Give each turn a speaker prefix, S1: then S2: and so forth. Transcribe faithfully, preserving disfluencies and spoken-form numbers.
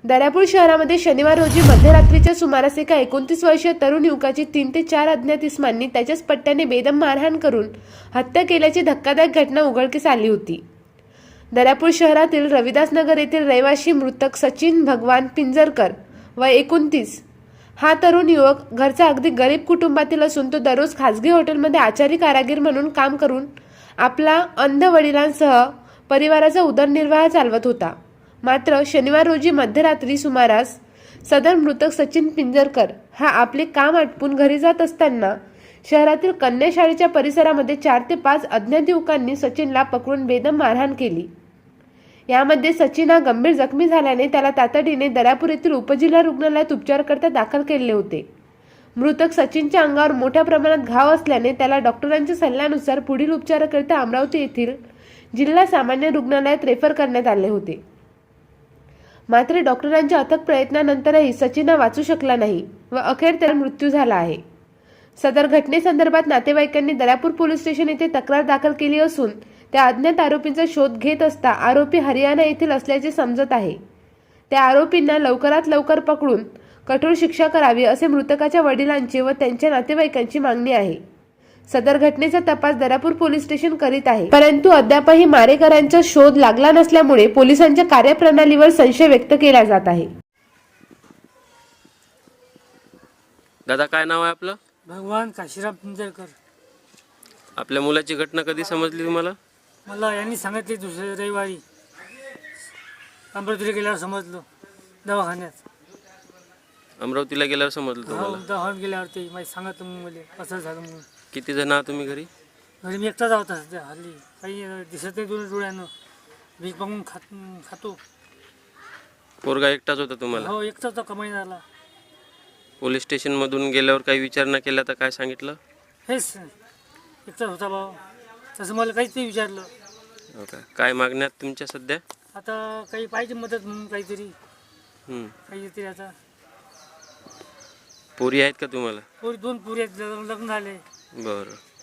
S1: दर्यापूर शहरामध्ये शनिवार रोजी मध्यरात्रीच्या सुमारास एका एकोणतीस वर्षीय तरुण युवकाची तीन ते चार अज्ञात इसमांनी त्याच्याच पट्ट्याने बेदम मारहाण करून हत्या केल्याची धक्कादायक घटना उघडकीस आली होती। दर्यापूर शहरातील रविदास नगर येथील रहिवासी मृतक सचिन भगवान पिंजरकर वय एकोणतीस हा तरुण युवक घरचा अगदी गरीब कुटुंबातील असून तो दररोज खासगी हॉटेलमध्ये आचारी कारागीर म्हणून काम करून आपला अंध वडिलांसह परिवाराचा उदरनिर्वाह चालवत होता। मात्र शनिवार रोजी मध्यरात्री सुमारास सदर मृतक सचिन पिंजरकर हा आपले काम आटपून घरी जात असताना शहरातील कन्या शाळेच्या परिसरामध्ये चार ते पाच अज्ञात युवकांनी सचिनला पकडून बेदम मारहाण केली। यामध्ये सचिन हा गंभीर जखमी झाल्याने त्याला तातडीने दर्यापूर येथील उपजिल्हा रुग्णालयात उपचारकरता दाखल केले होते। मृतक सचिनच्या अंगावर मोठ्या प्रमाणात घाव असल्याने त्याला डॉक्टरांच्या सल्ल्यानुसार पुढील उपचाराकरिता अमरावती येथील जिल्हा सामान्य रुग्णालयात रेफर करण्यात आले होते। मात्र डॉक्टरांच्या अथक प्रयत्नानंतरही सचिन हा वाचू शकला नाही व अखेर त्याला मृत्यू झाला आहे। सदर घटनेसंदर्भात नातेवाईकांनी दर्यापूर पोलीस स्टेशन येथे तक्रार दाखल केली असून त्या अज्ञात आरोपींचा शोध घेत असता आरोपी हरियाणा येथील असल्याचे समजत आहे। त्या आरोपींना लवकरात लवकर पकडून कठोर शिक्षा करावी असे मृतकाच्या वडिलांची व त्यांच्या नातेवाईकांची मागणी आहे। सदर घटनेचा तपास दर्यापूर पोलीस स्टेशन करीत आहे, परंतु अद्यापही मारेकऱ्यांचा शोध लागला नसल्यामुळे पोलिसांच्या कार्यप्रणालीवर संशय व्यक्त केला जात आहे।
S2: दादा काय नाव आहे आपलं?
S3: भगवान काशीराम पिंजरकर।
S2: आपल्या मुलाची घटना कधी समजली तुम्हाला?
S3: मला यांनी सांगितले दुसऱ्या रविवारी अमरावतीला गेल्यावर समजलं, दवाखान्यात
S2: अमरावतीला गेल्यावर समजलं
S3: हो
S2: तुम्हाला?
S3: दवाखान्यात गेल्यावर ते माहिती सांगितलं मग मला असं झालं म्हणून।
S2: किती जण आहात तुम्ही घरी?
S3: घरी मी एकटाच होता सध्या, हल्ली काही दिसत नाही दोन डोळ्यानं, भीक मागून खात खातो।
S2: पोरगा एकटाच होता तुम्हाला?
S3: हो एकटाच होता, कमाई झाला।
S2: पोलीस स्टेशन मधून गेल्यावर काही विचारणा केला तर काय सांगितलं?
S3: हेच एकटाच होता भाऊ, तसं मला काहीच नाही विचारलं।
S2: हो का? काय मागण्यात तुमच्या सध्या?
S3: आता काही पाहिजे मदत म्हणून, काहीतरी
S2: हम्म.
S3: काहीतरी आता।
S2: पोरी आहेत का तुम्हाला?
S3: पोरी दोन पोरी आहेत, लग्न झाले।
S2: बरं.